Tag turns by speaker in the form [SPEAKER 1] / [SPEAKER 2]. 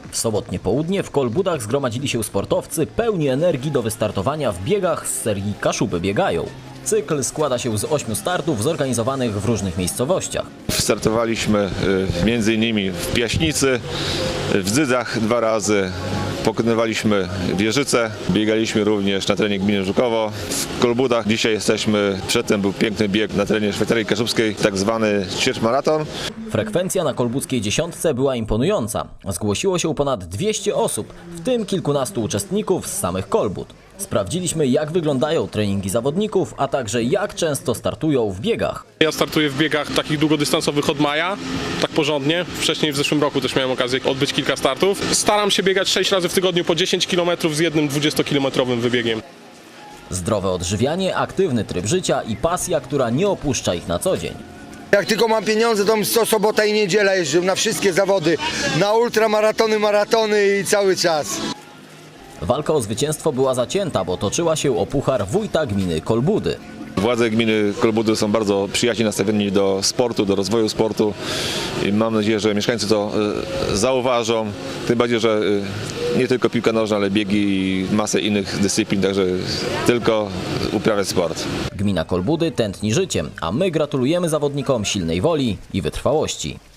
[SPEAKER 1] W sobotnie południe w Kolbudach zgromadzili się sportowcy pełni energii do wystartowania w biegach z serii Kaszuby biegają. Cykl składa się z 8 startów zorganizowanych w różnych miejscowościach.
[SPEAKER 2] Startowaliśmy m.in. w Piaśnicy, w Dzydzach 2 razy, pokonywaliśmy Wieżyce, biegaliśmy również na terenie gminy Żukowo. W Kolbudach dzisiaj jesteśmy, przedtem był piękny bieg na terenie Szwajcarii Kaszubskiej, tak zwany ćwierćmaraton.
[SPEAKER 1] Frekwencja na kolbudzkiej dziesiątce była imponująca. Zgłosiło się ponad 200 osób, w tym kilkunastu uczestników z samych Kolbud. Sprawdziliśmy, jak wyglądają treningi zawodników, a także jak często startują w biegach.
[SPEAKER 3] Ja startuję w biegach takich długodystansowych od maja, tak porządnie. Wcześniej w zeszłym roku też miałem okazję odbyć kilka startów. Staram się biegać 6 razy w tygodniu po 10 km z jednym 20-kilometrowym wybiegiem.
[SPEAKER 1] Zdrowe odżywianie, aktywny tryb życia i pasja, która nie opuszcza ich na co dzień.
[SPEAKER 4] Jak tylko mam pieniądze, to co sobota i niedziela jeżdżę na wszystkie zawody, na ultramaratony, maratony i cały czas.
[SPEAKER 1] Walka o zwycięstwo była zacięta, bo toczyła się o puchar wójta gminy Kolbudy.
[SPEAKER 2] Władze gminy Kolbudy są bardzo przyjaźnie nastawieni do sportu, do rozwoju sportu i mam nadzieję, że mieszkańcy to zauważą. Tym bardziej, że nie tylko piłka nożna, ale biegi i masę innych dyscyplin, także tylko uprawiać sport.
[SPEAKER 1] Gmina Kolbudy tętni życiem, a my gratulujemy zawodnikom silnej woli i wytrwałości.